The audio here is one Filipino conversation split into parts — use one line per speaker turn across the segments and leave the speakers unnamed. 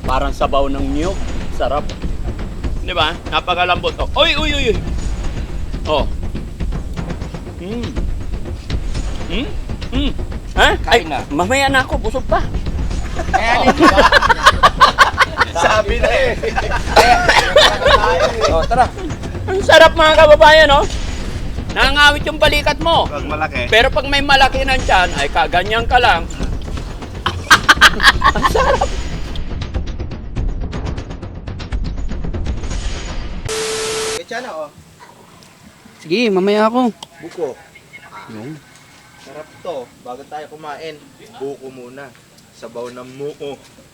Parang sabaw ng niyog. Sarap. Di ba? Napakalambot. Oh. Uy, uy, uy, uy. Oh. Ha? Ay,
Kain na.
mamaya na ako. Busog pa.
Kaya
Sabi na eh.
Oh, tara.
Ang sarap mga kababayan, oh. Nangangawit yung balikat mo.
Pag malaki.
Pero pag may malaki ng tiyan, ay kaganyan ka lang. Ang sarap.
Kaya na oh.
Sige, mamaya ako.
Buko.
Yung.
Sarap to. Bago tayo kumain, buko muna. Sabaw ng muko.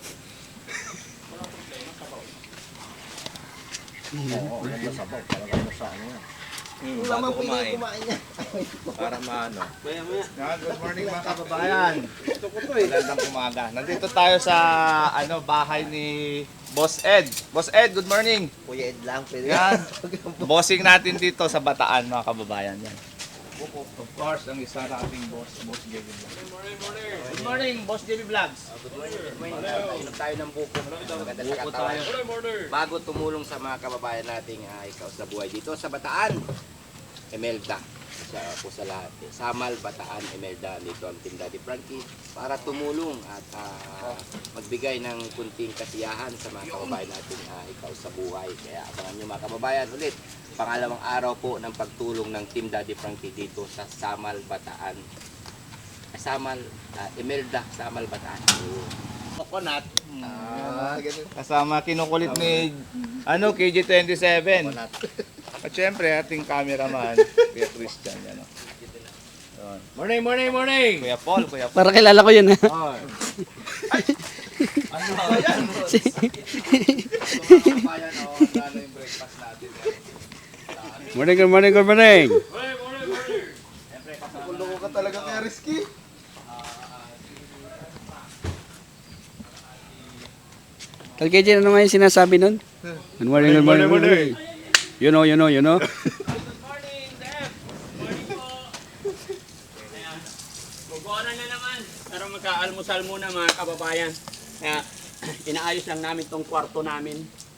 Oo, ganda sabaw. Talaga mo sa ano yan.
Bago kumain. Para maano. Good morning mga kababayan. Magandang umaga. Nandito tayo sa bahay ni Boss Ed. Boss Ed, good morning.
Kuya Ed lang, pwede.
Yan. Bossing natin dito sa Bataan mga kababayan. Yan. Of course, ang isa nating boss, Boss JB Vlogs. Good morning, Boss JB Vlogs.
Inom tayo ng buko. Maganda sa katawan. Bago tumulong sa mga kababayan nating ikaw sa buhay dito sa Bataan, Imelda. Po sa lahat. Samal, Bataan, Imelda, dito ang Team Daddy Frankie para tumulong at magbigay ng kunting kasiyahan sa mga kababayan natin ikaw sa buhay. Kaya abangan nyo mga kababayan ulit. Pangalawang araw po ng pagtulong ng Team Daddy Frankie dito sa Samal, Bataan. Samal, Imelda, Samal, Bataan.
Coconut. Kasama kinukulit ni KG27. At syempre, ating cameraman, Kuya Christian. Yan, oh. Yun. Morning, morning, morning! Kuya Paul, Kuya Paul.
Para kilala ko yun, ha?
Oh. Ano ba yan? Ano yung breakfast natin?
Morning, good morning, good morning.
Kulungo ka talaga kaya risky.
Kalkeji, ano nga yung sinasabi nun? Good morning, good morning, good morning. You know.
Good morning, Deb. Morning po. Ayan. Guguanan na naman. Pero magka-almusal muna mga kababayan. Kaya inaayos lang namin tong kwarto namin.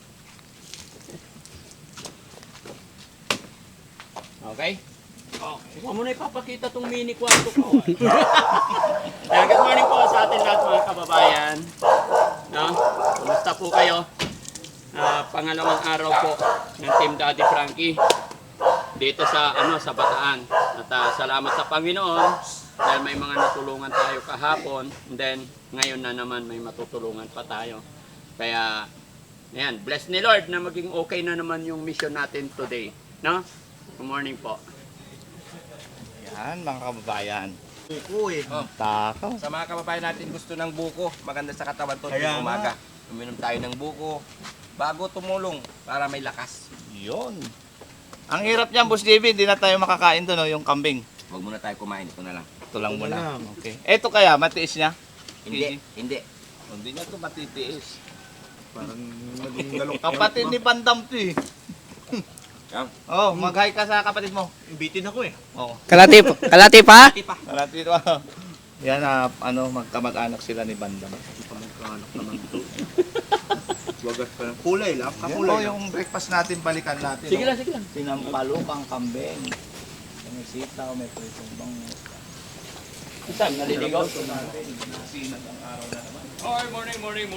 Okay? Oh, huwag mo na ipapakita tong mini kwarto ko. Kaya good morning po sa atin lahat mga kababayan. No? Kumusta po kayo? Pangalawang araw po ng Team Daddy Frankie dito sa sa Bataan. At salamat sa Panginoon dahil may mga natulungan tayo kahapon, and then ngayon na naman may matutulungan pa tayo. Kaya ayan, bless ni Lord na maging okay na naman yung mission natin today, no? Good morning po.
Yan, mga kababayan.
Buko eh.
Takaw.
Sa mga kababayan natin gusto ng buko, maganda sa katawan to
Kaya
tuwing umaga. Uminom tayo ng buko bago tumulong para may lakas.
Yun. Ang hirap niyan, Boss JB, hindi na tayo makakain doon, yung kambing.
Huwag muna tayo kumain, ito na lang.
Ito lang
Ito
muna.
lang.
Okay. Eto kaya, matiis niya?
Hindi, hindi.
Hindi niya ito matitiis.
Parang naging galong
Kapatid ni Bandam to eh.
Yan.
Oh, mag-hi ka sa kapatid mo.
Bitin ako eh.
Oh.
Kalati pa?
Malapit ito. Yan, magkamag-anak sila ni Bandam.
Pamagkanak naman ito. Wagas pa ng kulay lang.
Yan
Kakulay
po
lang.
yung breakfast natin, balikan natin.
Sige lang, sige lang.
Sinampalukang kambing. May sitaw, may pritong bangus.
Saan? Naliligaw?
Ito natin, nasinag ang araw na naman.
Oh, morning.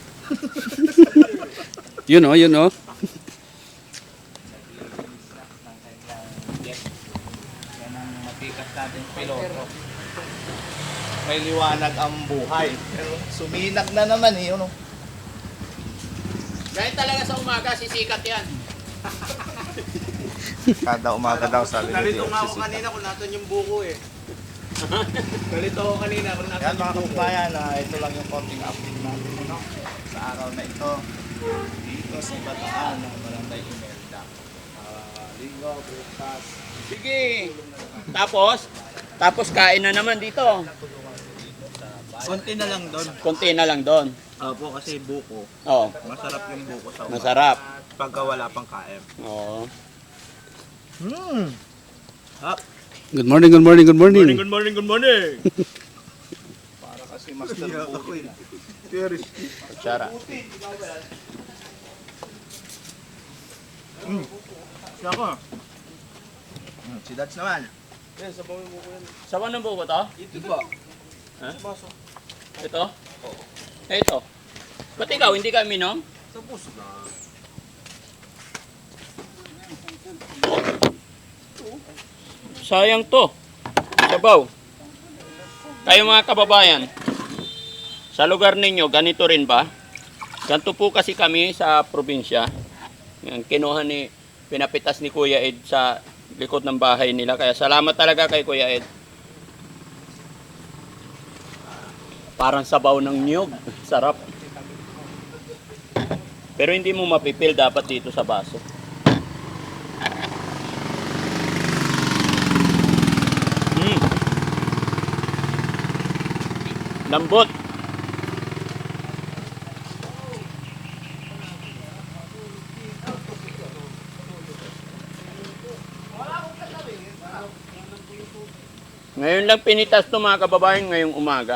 Yun oh.
Yan ang matikas natin piloto. May liwanag ang buhay. Pero suminak na naman eh. Ano?
Dahil talaga sa umaga, sisikat yan.
Kada umaga daw sa
Nalito nga ako kanina kung natin yung buko eh. Nalito ako kanina kung natin
Yan mga
yung buko.
kababayan, ito lang yung konting update natin sa araw na ito. Dito sa Bataan ng Barangay Imelda. Linggo, bukas.
Sige. Tapos kain na naman dito.
Konti na lang doon.
Konti na lang doon.
Opo, kasi buko.
Oo,
Masarap yung buko sa umaga.
masarap.
Pagka wala pang kaem.
Oo.
Good morning, good morning, good morning.
Good morning.
Para kasi si Master Bukoy.
Kutsara.
Siya ako. Si Dads naman.
Sawa ng buko to?
Ito ba?
Ha? Ito? Ito. Ba't ikaw, hindi ka minom?
Tapos na.
Sayang to. Sabaw. Kayo mga kababayan, sa lugar ninyo, ganito rin ba? Ganito po kasi kami sa probinsya. Yan, kinuha ni, pinapitas ni Kuya Ed sa likod ng bahay nila. Kaya salamat talaga kay Kuya Ed. Parang sabaw ng niyog. Sarap. Pero hindi mo mapipil dapat dito sa baso. Lambot. Ngayon lang pinitas to mga kababayan ngayong umaga.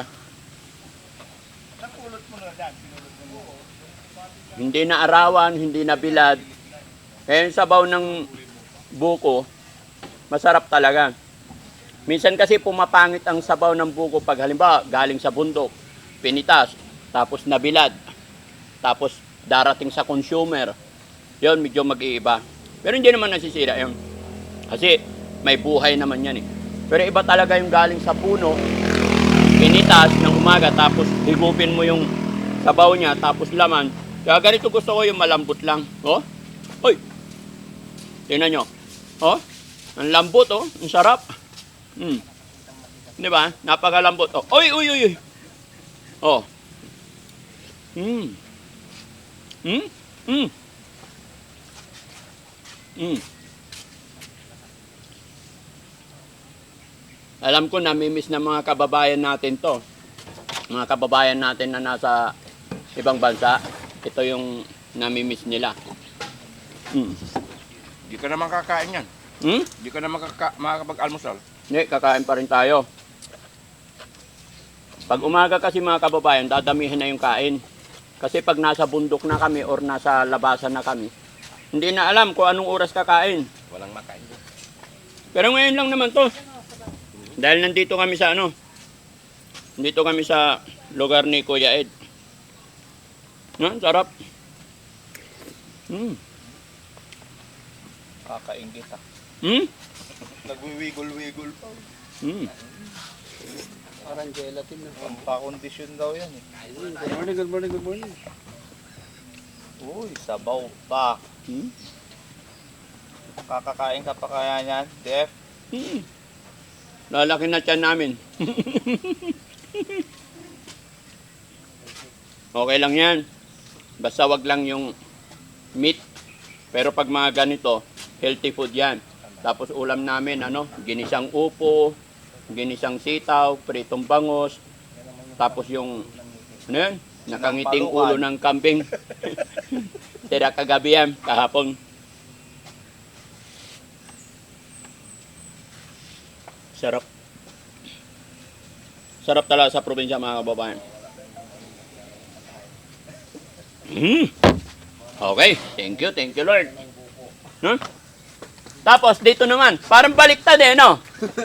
Hindi na arawan, hindi na bilad. Kaya yung sabaw ng buko, masarap talaga. Minsan kasi pumapangit ang sabaw ng buko pag halimbawa galing sa bundok, pinitas, tapos nabilad, tapos darating sa consumer. Yun, medyo mag-iiba. Pero hindi naman nasisira yun. Kasi may buhay naman yan eh. Pero iba talaga yung galing sa puno, pinitas ng umaga, tapos higupin mo yung sabaw niya, tapos laman. Kaya ganito gusto ko yung malambot lang. Oh? Hoy! Tingnan nyo. Oh? Ang lambot oh. Ang sarap. Di ba? Napakalambot. Oh. Oy, uy, uy, uy. Oh. Alam ko namimiss ng mga kababayan natin to. Mga kababayan natin na nasa ibang bansa. Ito yung namimiss nila.
Hindi ka naman kakain yan. Hindi ka naman makakapag-almusal.
Hindi, kakain pa rin tayo. Pag umaga kasi mga kababayan, dadamihan na yung kain. Kasi pag nasa bundok na kami or nasa labasan na kami, hindi na alam kung anong oras kakain.
Walang makain.
Pero ngayon lang naman to. Dahil nandito kami sa Nandito kami sa lugar ni Kuya Ed. Sarap.
Kakaingit ah. Nagwiwigol-wigol pa.
Parang gelatin na.
Pampakondisyon daw yan eh.
Good morning, good morning, good morning.
Uy, sabaw pa. Kakakain ka pa kaya niyan, Def?
Lalaki na tiyan namin. Okay lang yan. Basta wag lang yung meat. Pero pag mga ganito, healthy food yan. Tapos ulam namin, ginisang upo, ginisang sitaw, pritong bangos. Tapos yung, nakangiting ulo ng kambing. Tira kagabi yan, kahapon. Sarap. Sarap talaga sa probinsya mga kababayan. Okay, thank you Lord. Tapos dito naman, parang baliktad no?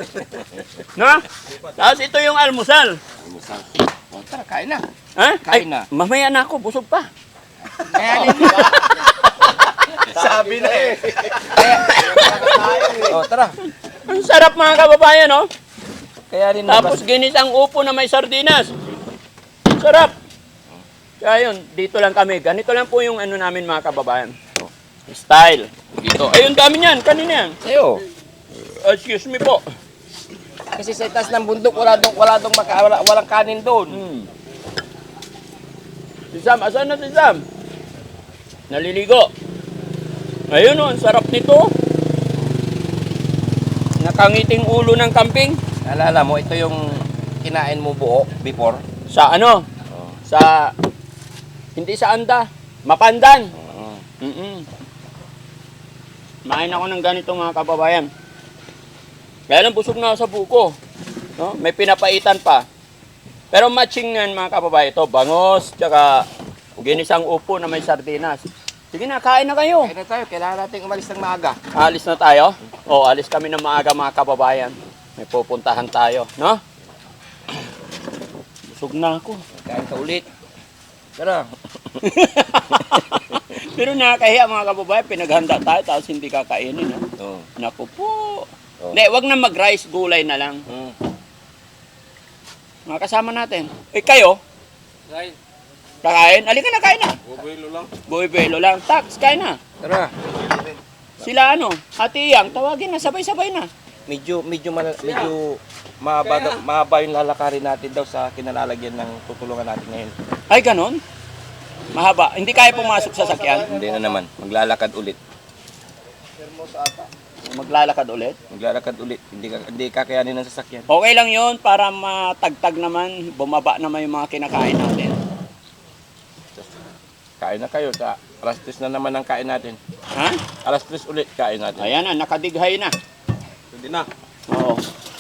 Tapos ito yung almusal.
O, tara, kain na.
Ay,
Kain na.
mamaya na ako, busog pa.
Kaya din.
Sabi na eh.
O, tara.
Ang sarap mga kababayan,
Kaya rin
Tapos ginisang upo na may sardinas. Sarap. Kaya yun, dito lang kami. Ganito lang po yung namin mga kababayan. Style. Dito. Ayun, dami niyan. Kanina yan.
Sa'yo.
Excuse me po.
Kasi sa itaas ng bundok, walang kanin doon.
Si Sam, asan na si Sam? Naliligo. Ayun ang sarap nito. Nakangiting ulo ng kambing.
Alala mo, ito yung kinain mo buo before.
Sa Sa, hindi sa anda. Mapandan. Main ako ng ganito mga kababayan. Kaya lang busog na sa buko. May pinapaitan pa. Pero matching yan mga kababayan. Ito, bangos, tsaka ginisang upo na may sardinas. Sige na, kain na kayo.
Kaya na tayo, kailangan natin umalis ng maaga.
Alis na tayo? O, alis kami ng maaga mga kababayan. May pupuntahan tayo, no? Busog na ako.
Kain ka ulit. Tara.
Pero nakakahiya mga kababayan, pinaghanda tayo tapos hindi kakainin. No?
Oo.
Naku po.
Oh.
Hindi, wag na mag-rice, gulay na lang. Mga kasama natin. Eh kayo?
Kain.
Kakain? Halika na, kain na.
Bubuelo lang.
Buhay-buhelo lang. Tax, kain na.
Tara.
Sila ano? Ate Iyang, tawagin na, sabay-sabay na.
Medyo mahaba yung lalakarin natin daw sa kinalalagyan ng tutulungan natin ngayon.
Ay, ganon? Mahaba. Hindi kaya pumasok sa sakyan?
Hindi na naman. Maglalakad ulit.
Maglalakad ulit?
Maglalakad ulit. Hindi kakayanin ng sasakyan.
Okay lang yun para matagtag naman, bumaba naman yung mga kinakain natin.
Kain na kayo. Alas 3 na naman ang kain natin.
Ha?
Alas 3 ulit kain natin.
Ayan na, nakadighay na.
Hindi na.
Oo.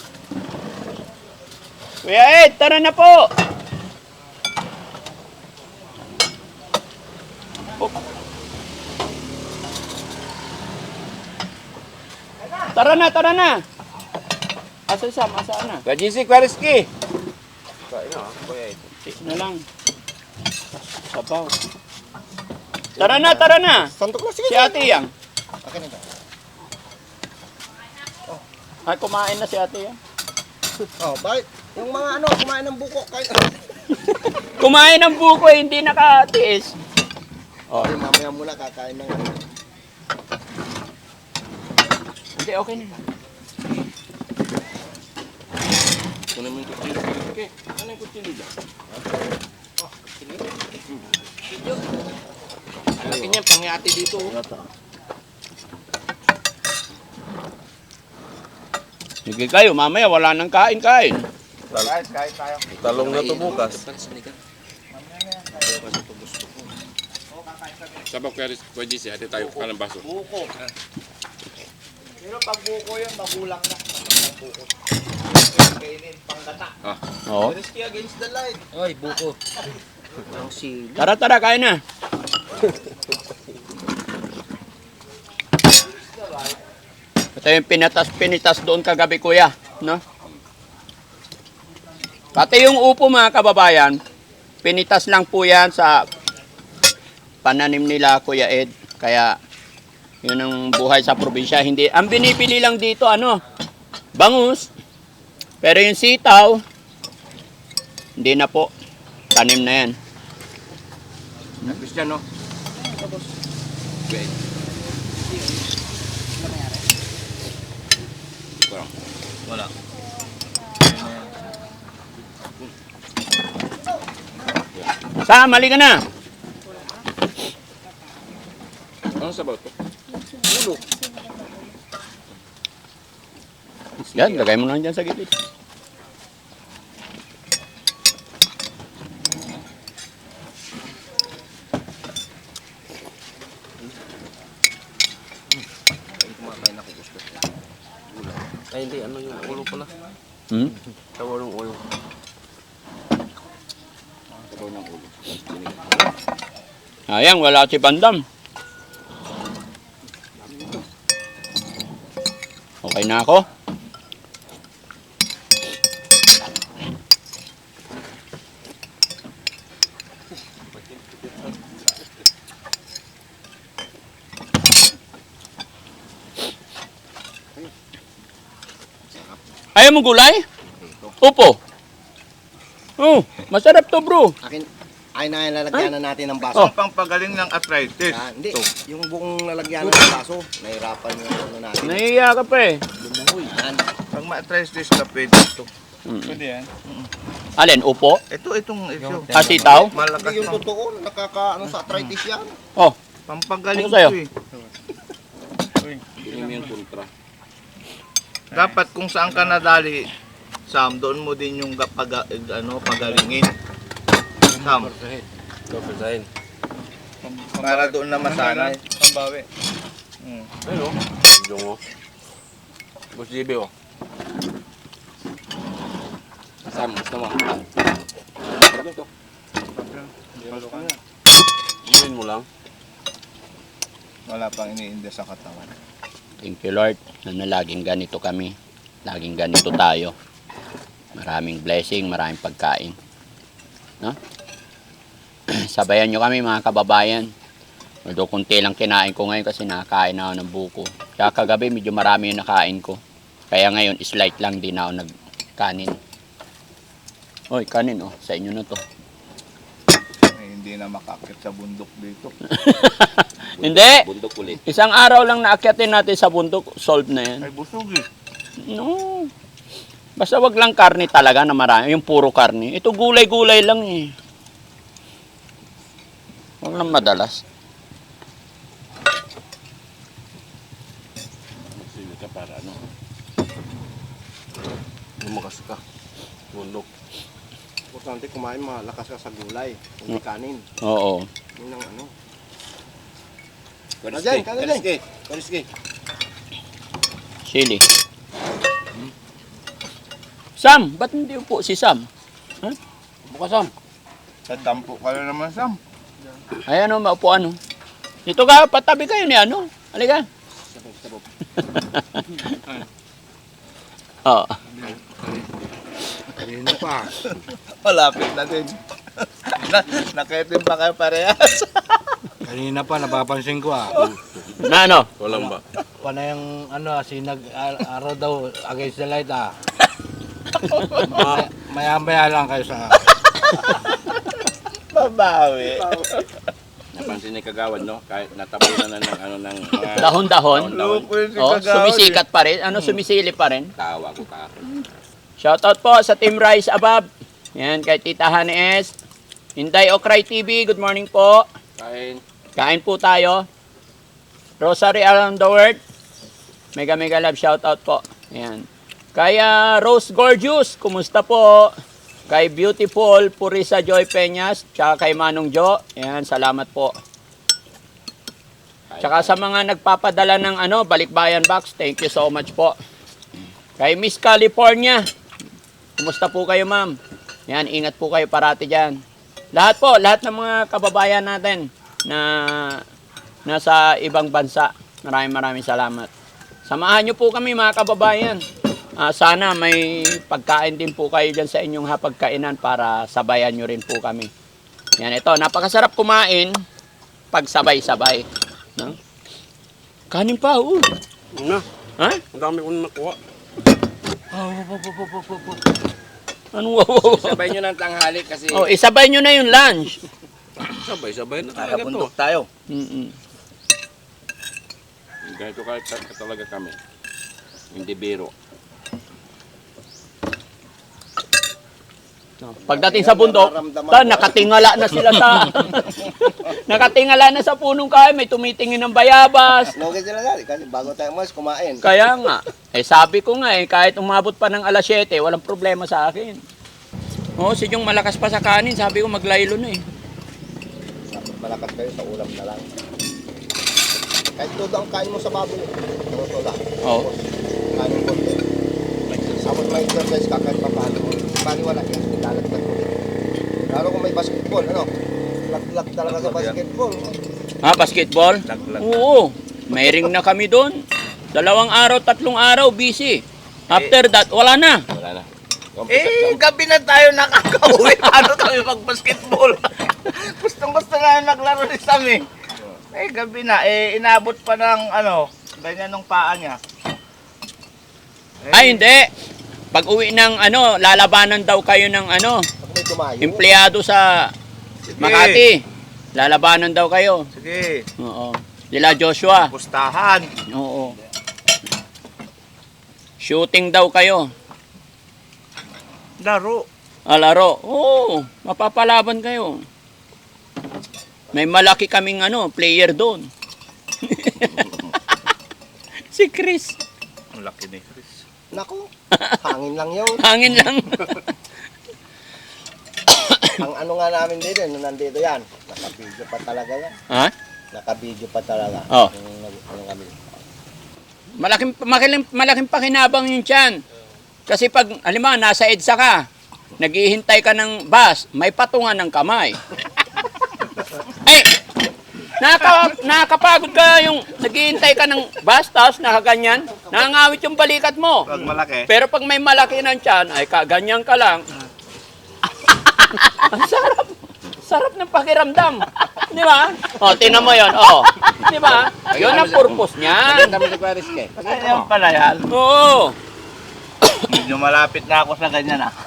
Kuya Ed, tara na po! Oh. Tara na, tara na! Asa Sam, asaan na?
Gajisi Kwareski! Kain na, kuya ito.
Tik na lang. Sabaw. Tara na, tara na!
Santok na,
Si Ate Yang. Ay, kumain na si Ate Yang.
Oh, bakit? Yung mga kumain ng buko. Kain.
Kumain ng buko, hindi nakatiis.
Oh, mamaya muna kakain ng
Hindi, okay na.
Kunin mo yung kutsilo. Okay, ano yung kutsilo dyan? Laki niyan, pangyati dito.
Sige kayo, mamaya wala nang kain-kain.
Guys, kahit tayo.
Talong na to bukas. Sabak kaya Kuya JC, hati tayo ka ng baso.
Buko. Pero pag buko yun, magulang na. Buko. Kainin, panggata.
Oo.
Risky against the light.
Oy, buko.
Tara, tara, kain na. Ito yung pinitas doon kagabi, kuya. No? Pati yung upo mga kababayan, pinitas lang po yan sa pananim nila, Kuya Ed. Kaya, yun ang buhay sa probinsya. Hindi, ang binibili lang dito, bangus. Pero yung sitaw, hindi na po. Tanim na yan.
Cristiano.
Wala.
Sam, mali ka na.
Ano sabaw to?
Yan, lagay mo lang dyan sa gilid.
Ay hindi, ano yung ulo pala? Sabaw ng ulo. Sabaw ng ulo.
Ayan, wala si Bandam. Okay na ako. Ayaw mo gulay? Upo. Oh, masarap to, bro.
Ay na lalagyan na natin ng
Oh.
baso.
Pampagaling ng arthritis.
Hindi, yung buong lalagyan ng baso, nahirapan yung natin.
Nahiya ka pa eh.
Yan.
Pag ma-arthritis ka, pwede ito. Pwede yan.
Alin, upo?
Itong ito.
Asitaw?
Malakas
Hindi yung
pang
totoo, sa arthritis yan.
Oh,
pampagaling
Ano sa'yo?
ito eh.
Hindi mo yung kontra.
Dapat kung saan ka nadali, Sam, doon mo din yung pagalingin. Sam,
Kapasahin.
para doon na masanay. Pambawi.
Ayun o. Yung o. Boss JB o. Sam, gusto mo?
Inuin mo lang.
Wala pang iniinda sa katawan.
Thank you Lord na laging ganito kami. Laging ganito tayo. Maraming blessing, maraming pagkain. No? Sabayan nyo kami mga kababayan. Although kunti lang kinain ko ngayon kasi nakakain na ako ng buko. Kaya kagabi medyo marami yung nakain ko. Kaya ngayon slight lang din ako nagkanin. Oy, kanin oh. Sa inyo na to.
Hindi na makakit sa bundok dito.
Hindi!
Bundok ulit.
Isang araw lang naakyatin natin sa bundok, solve na yan.
Ay, busog eh.
No. Basta wag lang karne talaga na marami. Yung puro karne. Ito gulay-gulay lang eh. Wag lang madalas. Sige ka para ano.
Lumakas ka. Bundok. Importante kumain, malakas ka sa gulay. Hindi kanin.
Oo.
Yun ang ano.
Kariski,
Kanin,
kariski, kariski.
Sili. Sam, ba't hindi upo si Sam? Buka Sam.
Sa tampo ka na naman, Sam.
Ayan o, maupuan o. Dito ka, patabi kayo ni ano. Halika.
Sabog.
Oo.
Kanina pa.
Malapit na din. Nakitin pa kayo parehas.
Kanina pa, napapansin ko
Na ano?
Walang ba? Pana yung sinag araw daw against the light Maya-maya lang kayo sa...
Babawi.
Napansin ni Kagawad, no? Kahit natabunan na ng ano ng mga
Dahon-dahon.
Lupo yun si
Oh,
Kagawad
sumisikat pa rin. Ano, sumisili pa rin.
tawa ko kahapon.
Shoutout po sa Team Rise Above. Yan, kay Tita Honey S. Inday Okray TV, good morning po.
Kain.
Kain po tayo. Rosary Around the World. Mega mega love shoutout po. Yan. Kaya Rose Gorgeous, kumusta po? Kay Beautiful Purisa Joy Peñas, tsaka kay Manong Jo. Yan, salamat po. Tsaka sa mga nagpapadala ng balikbayan box, thank you so much po. Kay Miss California, kumusta po kayo ma'am? Yan, ingat po kayo parati dyan. Lahat ng mga kababayan natin na nasa ibang bansa, maraming salamat. Samahan nyo po kami mga kababayan. Sana may pagkain din po kayo dyan sa inyong hapagkainan para sabayan nyo rin po kami. Yan, ito, napakasarap kumain pag sabay-sabay. No? Kanin pa,
Ano?
Ha?
Ang dami kong nakuha.
Ano?
Sabay nyo ng tanghali kasi
Oh, isabay nyo na yung lunch.
Sabay-sabay na talaga to.
Nakabundok tayo.
ganito talaga kami. Hindi biro.
Pagdating sa bundok, nakatingala na sila sa nakatingala na sa punong kahoy, may tumitingin ng bayabas.
Logay sila dali kasi bago tayo mas kumain.
Kaya nga, sabi ko nga kahit umabot pa ng alas 7, walang problema sa akin. Si Jong malakas pa sa kanin, sabi ko maglaylo na
Dapat malakas kayo sa ulam na lang. Kahit todo ang kain mo sa baboy. Todo.
Oo.
Kain mo konti. Tapos may exercise ka kahit paano. Paniwala yan, nilalagdag mo. Lalo kung may basketball, lag talaga sa basketball.
Basketball? Oo. May ring na kami doon. 2 araw, 3 araw, busy. After that, wala na.
Wala na.
Gabi na tayo nakaka-uwi. Paano kami mag-basketball? Gustong-gusto na naglaro ni Sam eh. Gabi na. Inabot pa ng ganyan nung paa niya.
Ay, hindi. Pag uwi ng lalabanan daw kayo ng
Pag may tumayo.
empleyado sa Makati. Lalabanan daw kayo.
Sige.
Oo. Dila Joshua.
Pustahan.
Oo. Shooting daw kayo.
Laro.
Laro. Oo. Mapapalaban kayo. May malaki kaming player doon. Si Chris.
Ang laki ni Chris.
Naku, hangin lang yun.
Hangin lang.
Ang nga namin dito, nung nandito yan, naka-video pa talaga yan.
Ha?
Naka-video pa talaga.
Oh.
Yung kami.
Malaking pakinabang yun dyan. Kasi pag, halimbawa, nasa EDSA ka, naghihintay ka ng bus, may patungan ng kamay. Eh, nakakapagod ka yung naghihintay ka ng bus, tapos nakaganyan, nangangawit yung balikat mo.
Pag malaki.
Pero pag may malaki ng tiyan, ay kaganyan ka lang. Ang sarap. Sarap ng pakiramdam. Di ba? O, tingnan mo yun. O, di ba? Yun ang purpose niya.
Maganda mo sa Paris ka.
Ayan pala yan.
Oo.
Medyo malapit na ako sa ganyan ah.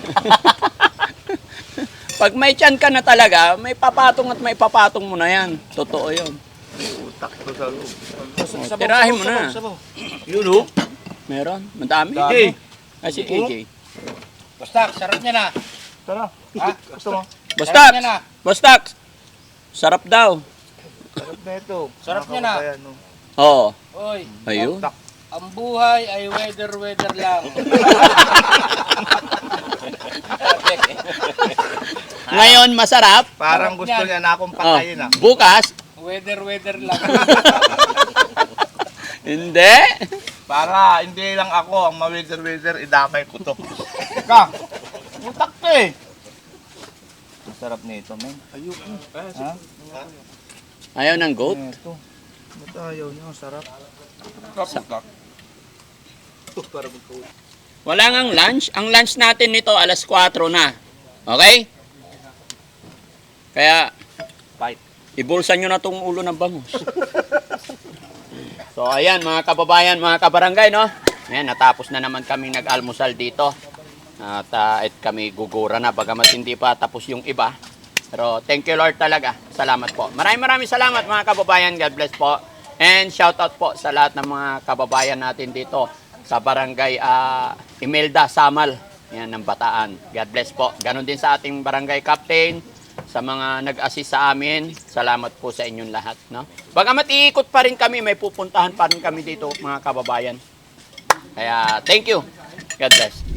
Pag may tiyan ka na talaga, may papatong at may papatong mo na yan. Totoo yun.
Utak to sa loob.
O, tirahin mo na.
Yun oh.
Meron. Madami.
AJ.
Ay, si AJ.
Basta, sarap niya na.
Tara. Gusto mo?
Bostax!
Sarap niya na.
Bostax! Sarap daw.
Sarap na ito.
Sarap niya na.
Nakakabayan, no?
Oo.
Oy,
Ayun.
ang buhay ay weather lang.
Ngayon, masarap.
Parang gusto niya na akong
Oh,
patayin ah.
bukas,
Weather lang.
hindi.
Para hindi lang ako ang ma-wither-wither, idamay ko to. Ka! Utak to eh! Ang sarap nito, men. Ayoko. Ha?
Ayaw ng goat.
Ito. Ba't ayaw niya? Ang sarap.
Wala ngang lunch. Ang lunch natin nito, alas 4 na. Okay? Kaya,
Fight.
ibulsan nyo na tong ulo ng bangus. So, ayan, mga kababayan, mga kabarangay, no? Ayan, natapos na naman kami nag-almusal dito. At kami gugura na, bagamat hindi pa tapos yung iba. Pero thank you Lord talaga. Salamat po. Maraming salamat mga kababayan. God bless po. And shout out po sa lahat ng mga kababayan natin dito sa barangay Imelda, Samal. Yan, ng Bataan. God bless po. Ganon din sa ating barangay captain, sa mga nag-assist sa amin. Salamat po sa inyong lahat. No? Bagamat iikot pa rin kami, may pupuntahan pa rin kami dito mga kababayan. Kaya thank you. God bless.